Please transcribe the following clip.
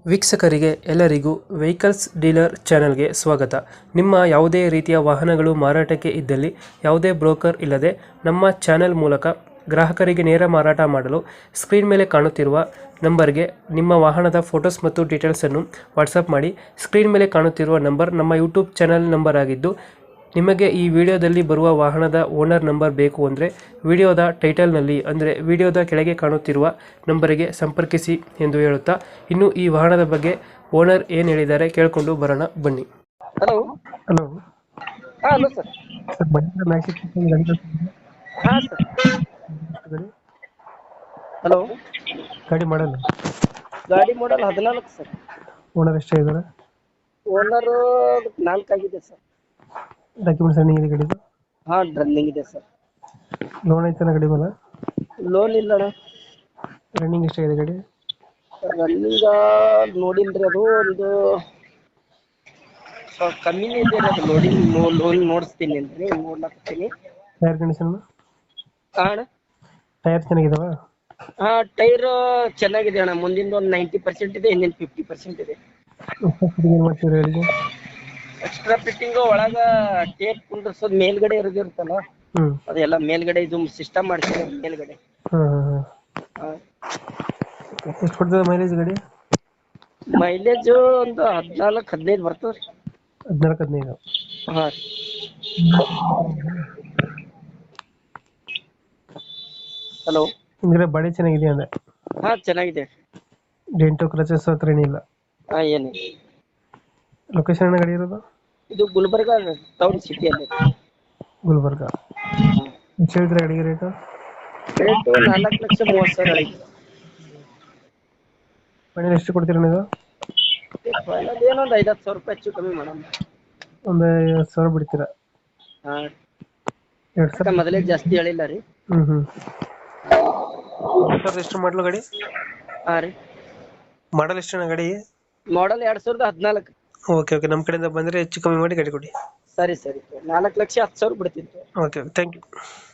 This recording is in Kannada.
ವೀಕ್ಷಕರಿಗೆ ಎಲ್ಲರಿಗೂ ವೆಹಿಕಲ್ಸ್ ಡೀಲರ್ ಚಾನೆಲ್ಗೆ ಸ್ವಾಗತ. ನಿಮ್ಮ ಯಾವುದೇ ರೀತಿಯ ವಾಹನಗಳು ಮಾರಾಟಕ್ಕೆ ಇದ್ದಲ್ಲಿ ಯಾವುದೇ ಬ್ರೋಕರ್ ಇಲ್ಲದೆ ನಮ್ಮ ಚಾನೆಲ್ ಮೂಲಕ ಗ್ರಾಹಕರಿಗೆ ನೇರ ಮಾರಾಟ ಮಾಡಲು ಸ್ಕ್ರೀನ್ ಮೇಲೆ ಕಾಣುತ್ತಿರುವ ನಂಬರ್ಗೆ ನಿಮ್ಮ ವಾಹನದ ಫೋಟೋಸ್ ಮತ್ತು ಡೀಟೇಲ್ಸನ್ನು ವಾಟ್ಸಪ್ ಮಾಡಿ. ಸ್ಕ್ರೀನ್ ಮೇಲೆ ಕಾಣುತ್ತಿರುವ ನಂಬರ್ ನಮ್ಮ ಯೂಟ್ಯೂಬ್ ಚಾನೆಲ್ ನಂಬರ್ ಆಗಿದ್ದು, ನಿಮಗೆ ಈ ವಿಡಿಯೋದಲ್ಲಿ ಬರುವ ವಾಹನದ ಓನರ್ ನಂಬರ್ ಬೇಕು ಅಂದರೆ ವಿಡಿಯೋದ ಟೈಟಲ್ನಲ್ಲಿ ಅಂದರೆ ವಿಡಿಯೋದ ಕೆಳಗೆ ಕಾಣುತ್ತಿರುವ ನಂಬರಿಗೆ ಸಂಪರ್ಕಿಸಿ ಎಂದು ಹೇಳುತ್ತಾ, ಇನ್ನು ಈ ವಾಹನದ ಬಗ್ಗೆ ಓನರ್ ಏನು ಹೇಳಿದ್ದಾರೆ ಕೇಳಿಕೊಂಡು ಬರೋಣ ಬನ್ನಿ. Hello. Hello hello sir. Sir, Mahindra Max ಹಾಂ ಸರ್. ಹಲೋ. ಗಾಡಿ ಮಾಡಲ್ಲ. ಗಾಡಿ ಮಾಡಲ್ 14 ಸರ್. ಓನರ್ ಎಷ್ಟೇ ಇದ್ದಾರೆ? ಓನರು 4 ಆಗಿದೆ ಸರ್. ಡಾಕ್ಯುಮೆಂಟ್ಸ್ ರನ್ನಿಂಗ್ ಇದೆ ಗಾಡಿದು? ಹಾಂ, ರನ್ನಿಂಗ್ ಇದೆ ಸರ್. ಲೋನ್ ಐತನ ಗಾಡಿ ಮೇಲೆ? ಲೋನ್ ಇಲ್ಲ ಅಣ್ಣ. ರನ್ನಿಂಗ್ ಎಷ್ಟಾಗಿದೆ ಗಾಡಿ? ರನ್ನಿಂಗ್ ನೋಡಿಲ್ರಿ, ಅದು ಒಂದು ಸ್ವಲ್ಪ ಕಮ್ಮಿನೇ ಇದೆ ರೀ. ಅದು ಲೋನ್ ನೋಡಿಸ್ತೀನಿ ರೀ, ನೋಡ್ಲಾಕತ್ತೀನಿ. Tyre condition? ಹಾಂ ಅಣ್ಣ. ಟೈರ್ ಚೆನ್ನಾಗಿದಾವ? ಹಾಂ, ಟೈರ್ ಚೆನ್ನಾಗಿದೆ ಅಣ್ಣ. ಮುಂದಿಂದ ಒಂದು 90% ಇದೆ, ಹಿಂದಿನ 50% ಇದೆ. ಏನು ಮಾಡ್ತೀವಿ ಗಾಡಿಗೆ? ಎಕ್ಸ್ಟ್ರಾ ಫಿಟ್ಟಿಂಗ್ ಒಳಗ ಟೇಪ್ ಕುಂಡ್ರಸೋದು ಮೇಲ್ಗಡೆ ಇರೋದಿರುತ್ತಲ್ಲ, ಹ್ಞೂ. ಅದೆಲ್ಲ ಮೇಲ್ಗಡೆ ಇದು ಸಿಸ್ಟಮ್ ಮಾಡ್ತೀವಿ ಮೇಲ್ಗಡೆ. ಹಾಂ ಹಾಂ ಹಾಂ. ಹಾಂ. ಎಷ್ಟು ಕೊಡ್ತದೆ ಮೈಲೇಜ್ ಗಾಡಿ? ಮೈಲೇಜ್ ಒಂದು 14-15 ಬರ್ತದೆ ರೀ. 14-15. ಹಾಂ. ಹಲೋ. ನಿಮಗೆ ಬಾಡಿ ಚೆನ್ನಾಗಿದೆ ಅಂದೆ? ಹಾಂ, ಚೆನ್ನಾಗಿದೆ. ಡೆಂಟು ಕ್ರಚಸ್ ಹತ್ರ ಏನಿಲ್ಲ? ಹಾಂ, ಏನು. ಲೊಕೇಶನ್ ಗಾಡಿ ಇರೋದು? ಇದು ಗುಲ್ಬರ್ಗ ಟೌನ್ ಸಿಟಿಯಲ್ಲಿ. ಗುಲ್ಬರ್ಗ. ಎಷ್ಟು ಹೇಳ್ತೀರಾ ಗಾಡಿಗೆ ರೇಟು? ರೇಟು 4,30,030 ಆಯ್ತು. ಫೈನಲ್ ಎಷ್ಟು ಕೊಡ್ತೀರಾ ನೀವು? ಫೈನಲ್ ಏನೊಂದು 5-10 ಸಾವಿರ ರೂಪಾಯಿ ಹೆಚ್ಚು ಕಮ್ಮಿ ಮಾಡೋಣ. ಒಂದು 50,000 ಬಿಡ್ತೀರಾ? ಹಾಂ. 2,000 ಮೊದಲೇ ಜಾಸ್ತಿ ಹೇಳಿಲ್ಲ ರೀ. ಹ್ಞೂ ಹ್ಞೂ. ಸರ್, ಎಷ್ಟು ಮಾಡಲು ಗಾಡಿ? ಹಾಂ ರೀ. ಮಾಡಲ್ ಎಷ್ಟು ಗಾಡಿ? ಮಾಡಲ್ 2014. ಓಕೆ ಓಕೆ, ನಮ್ಮ ಕಡೆಯಿಂದ ಬಂದರೆ ಹೆಚ್ಚು ಕಮ್ಮಿ ಮಾಡಿ ಗಾಡಿ ಕೊಡಿ. ಸರಿ ಸರಿ, 4,10,000 ಬಿಡ್ತಿತ್ತು. Okay, thank you.